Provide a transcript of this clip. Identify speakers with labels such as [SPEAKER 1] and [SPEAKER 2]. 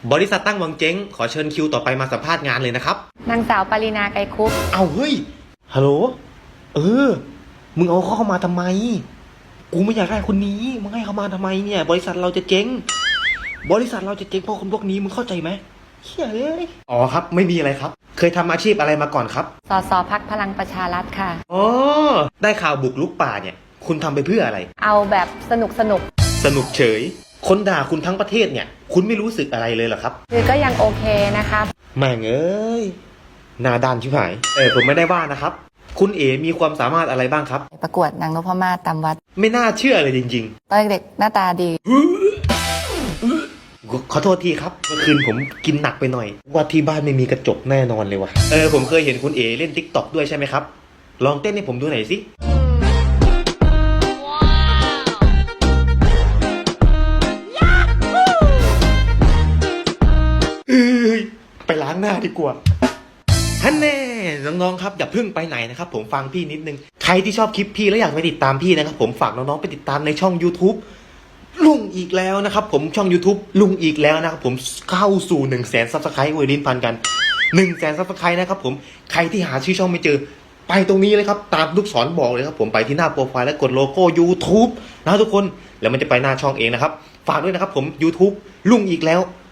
[SPEAKER 1] บริษัทตั้งวังเจ๊งขอเชิญคิวต่อไปมาสัมภาษณ์งานเลยนะครับ
[SPEAKER 2] นางสาวปรินาไกรคุป
[SPEAKER 1] เอาเฮ้ยฮัลโหลมึงเอาเข้ามาทำไมกูไม่อยากได้คนนี้มึงให้เขามาทำไมเนี่ยบริษัทเราจะเจ๊งเพราะคนพวกนี้มึงเข้าใจไหมเฮ้ยอ๋อครับไม่มีอะไรครับเคยทำอาชีพอะไรมาก่อนครับ
[SPEAKER 2] สสพรรคพลังประชารัฐค่ะ
[SPEAKER 1] อ๋อได้ข่าวบุกรุกป่าเนี่ยคุณทำไปเพื่ออะไร
[SPEAKER 2] เอาแบบสนุก
[SPEAKER 1] เฉยคนด่าคุณทั้งประเทศเนี่ยคุณไม่รู้สึกอะไรเลยเหรอครับ
[SPEAKER 2] คือก็ยังโอเคนะคะ
[SPEAKER 1] แม่งเอ้ยหน้าด้านชิบหายผมไม่ได้ว่านะครับคุณเอ๋มีความสามารถอะไรบ้างครับ
[SPEAKER 2] ประกวดนางนพมาศตามวัด
[SPEAKER 1] ไม่น่าเชื่อเลยจริง
[SPEAKER 2] ตอนเด็กหน้าตาดี
[SPEAKER 1] ขอโทษทีครับเมื่อคืนผมกินหนักไปหน่อยว่าที่บ้านไม่มีกระจกแน่นอนเลยว่ะผมเคยเห็นคุณเอ๋เล่น TikTok ด้วยใช่ไหมครับลองเต้นให้ผมดูหน่อยสิไปล้างหน้าดีกว่าท่านแน่น้องๆครับอย่าเพิ่งไปไหนนะครับผมฟังพี่นิดนึงใครที่ชอบคลิปพี่แล้วอยากไปติดตามพี่นะครับผมฝากน้องๆไปติดตามในช่อง YouTube ลุงอีกแล้วนะครับผมช่อง YouTube ลุงอีกแล้วนะครับผมเข้าสู่ 100,000 Subscribe อวยลิ้นพันกัน 100,000 Subscribe นะครับผมใครที่หาชื่อช่องไม่เจอไปตรงนี้เลยครับตามลูกศรบอกเลยครับผมไปที่หน้าโปรไฟล์และกดโลโก้ YouTube นะทุกคนแล้วมันจะไปหน้าช่องเองนะครับฝากด้วยนะครับผม YouTube ลุงอีกแล้ว